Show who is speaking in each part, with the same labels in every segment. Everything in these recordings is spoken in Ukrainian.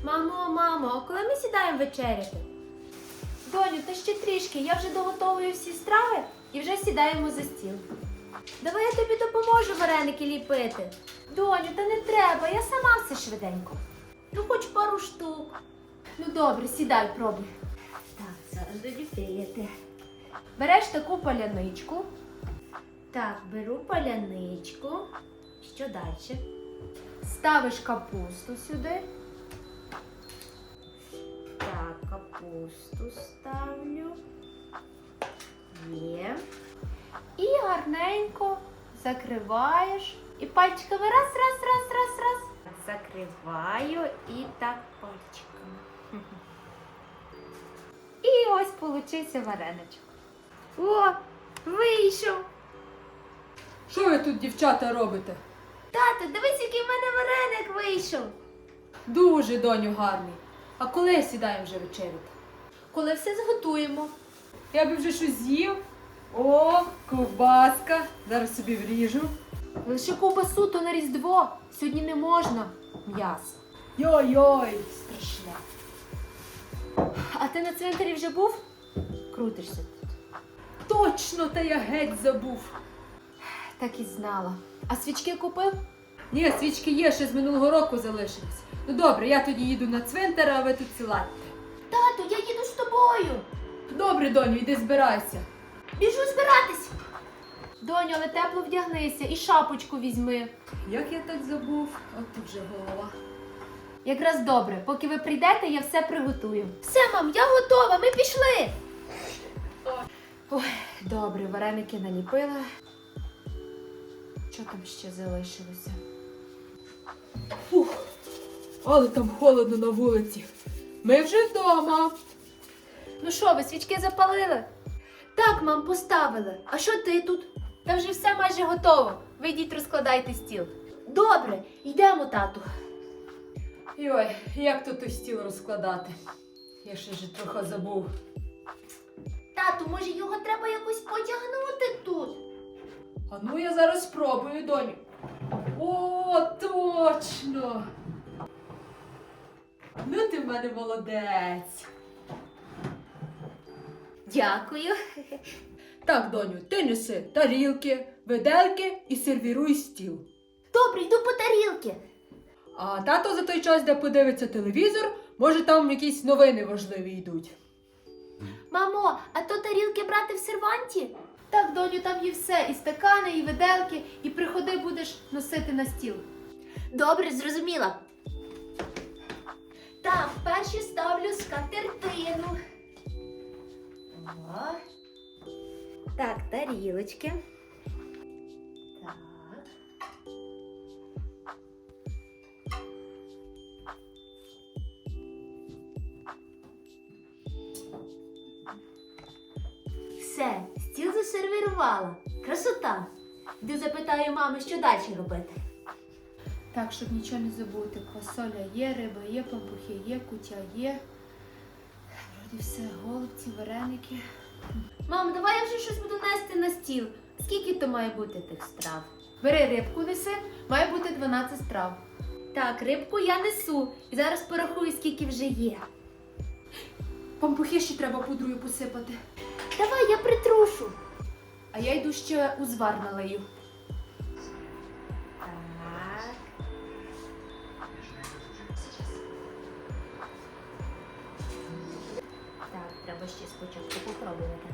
Speaker 1: Мамо, а коли ми сідаємо вечеряти? Доню, та ще трішки, я вже доготовую всі страви і вже сідаємо за стіл. Давай я тобі допоможу вареники ліпити. Доню, та не треба, я сама все швиденько. Ну, хоч пару штук. Ну добре, сідай, пробуй. Так, зараз доліпити. Береш таку паляничку. Так, беру паляничку. Що далі? Ставиш капусту сюди. Так, капусту ставлю. Є. І гарненько закриваєш. І пальчиками раз. Закриваю і так пальчиками. І ось получився вареничок. О, вийшов.
Speaker 2: Що ви тут, дівчата, робите?
Speaker 1: Тато, дивись, який в мене вареник вийшов.
Speaker 2: Дуже, доню, гарний. А коли сідаємо вже вечеряти?
Speaker 1: Коли все зготуємо.
Speaker 2: Я би вже щось з'їв. О, ковбаска. Зараз собі вріжу.
Speaker 1: Лише ковбасу, то на Різдво. Сьогодні не можна м'ясо.
Speaker 2: Йой-йой.
Speaker 1: Страшне. А ти на цвинтарі вже був? Крутишся тут.
Speaker 2: Точно, та я геть забув.
Speaker 1: Так і знала. А свічки купив?
Speaker 2: Ні, свічки є, ще з минулого року залишились. Ну добре, я тоді їду на цвинтар, а ви тут сіладьте.
Speaker 1: Тату, я їду з тобою.
Speaker 2: Добре, доню, йди збирайся.
Speaker 1: Біжу збиратись. Доню, але тепло вдягнися і шапочку візьми.
Speaker 2: Як я так забув? От тут вже голова.
Speaker 1: Якраз добре, поки ви прийдете, я все приготую. Все, мам, я готова, ми пішли. Ой, добре, вареники наліпила. Що там ще залишилося?
Speaker 2: Фух, але там холодно на вулиці. Ми вже вдома.
Speaker 1: Ну що, ви свічки запалили? Так, мам, поставили. А що ти тут? Та вже все майже готово. Ви йдіть розкладайте стіл. Добре, йдемо, тату.
Speaker 2: Йой, як тут той стіл розкладати? Я ще ж трохи забув.
Speaker 1: Тату, може його треба якось потягнути тут?
Speaker 2: А ну я зараз спробую, доню. О, точно! Ну ти в мене молодець.
Speaker 1: Дякую.
Speaker 2: Так, доню, ти неси тарілки, виделки і сервіруй стіл.
Speaker 1: Добре, йду по тарілки.
Speaker 2: А тато за той час, де подивиться телевізор, може там якісь новини важливі йдуть.
Speaker 1: Мамо, а то тарілки брати в серванті? Так, доню, там є все. І стакани, і виделки, і приходи будеш носити на стіл. Добре, зрозуміла. Так, перші ставлю скатертину. О. Так, тарілочки. Так. Все, стіл засервірувала. Красота. Йду запитаю мами, що далі робити. Так, щоб нічого не забути. Квасоля є, риба є, пампухи є, кутя є. Вроді все, голубці, вареники. Мамо, давай я вже щось буду нести на стіл. Скільки то має бути тих страв? Бери рибку неси, має бути 12 страв. Так, рибку я несу. І зараз порахую, скільки вже є.
Speaker 2: Пампухи ще треба пудрою посипати.
Speaker 1: Давай, я притрушу.
Speaker 2: А я йду ще узвар налию.
Speaker 1: Так. Так, треба ще спочатку попробувати.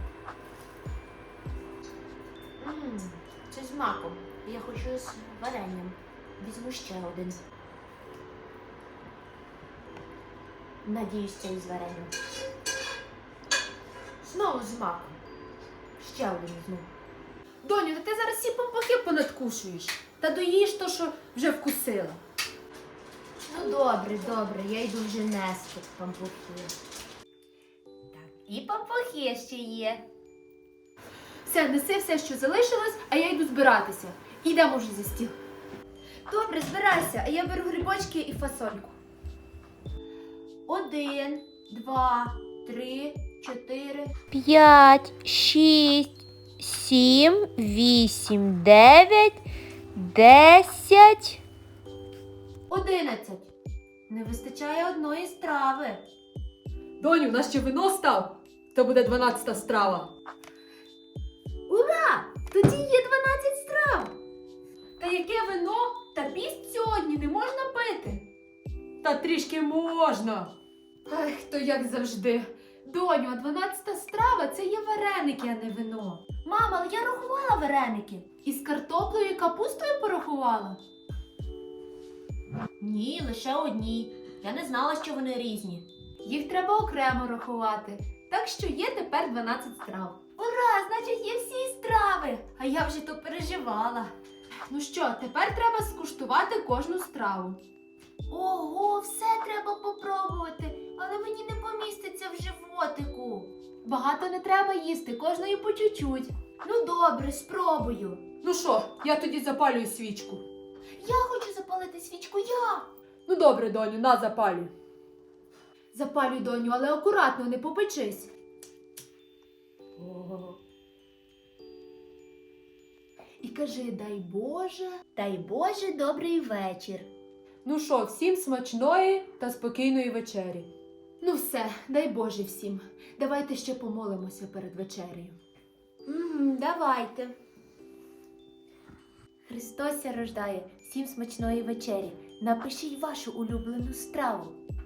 Speaker 1: Це з маком. Я хочу з варенням. Візьму ще один. Надіюсь, це із варенням. Знову з маком. Ще один візьму.
Speaker 2: Доню, та ти зараз всі пампухи понадкушуєш. Та доїж то, що вже вкусила.
Speaker 1: Ну добре, я йду вже нести пампухи. Так, і пампухи ще є.
Speaker 2: Все, неси все, що залишилось, а я йду збиратися. Йдемо вже за стіл.
Speaker 1: Добре, збирайся, а я беру грибочки і фасольку. 1, 2, 3, 4,
Speaker 3: 5, 6, 7, 8, 9, 10.
Speaker 1: 11. Не вистачає одної страви.
Speaker 2: Доню, у нас ще вино став. Це буде 12-та страва.
Speaker 1: Ура! Тоді є 12 страв.
Speaker 2: Та яке вино? Та піст сьогодні не можна пити. Та трішки можна.
Speaker 1: Ах, то як завжди. Доню, а 12-та страва це є вареники, а не вино. Мама, але я рахувала вареники. Із картоплею і капустою порахувала.
Speaker 4: Ні, лише одні. Я не знала, що вони різні.
Speaker 1: Їх треба окремо рахувати. Так що є тепер 12 страв. Ура! Значить, є всі страви! А я вже то переживала. Ну що, тепер треба скуштувати кожну страву. Ого, все треба попробувати, але мені не поміститься в животику. Багато не треба їсти, кожної по чуть-чуть. Ну добре, спробую.
Speaker 2: Ну що, я тоді запалюю свічку.
Speaker 1: Я хочу запалити свічку, я.
Speaker 2: Ну добре, доню, на запалюй.
Speaker 1: Запалюй, доню, але акуратно, не попечись. І кажи, дай Боже, добрий вечір.
Speaker 2: Ну що, всім смачної та спокійної вечері.
Speaker 1: Ну все, дай Боже всім. Давайте ще помолимося перед вечерею. Давайте. Христос ся рождає, всім смачної вечері. Напишіть вашу улюблену страву.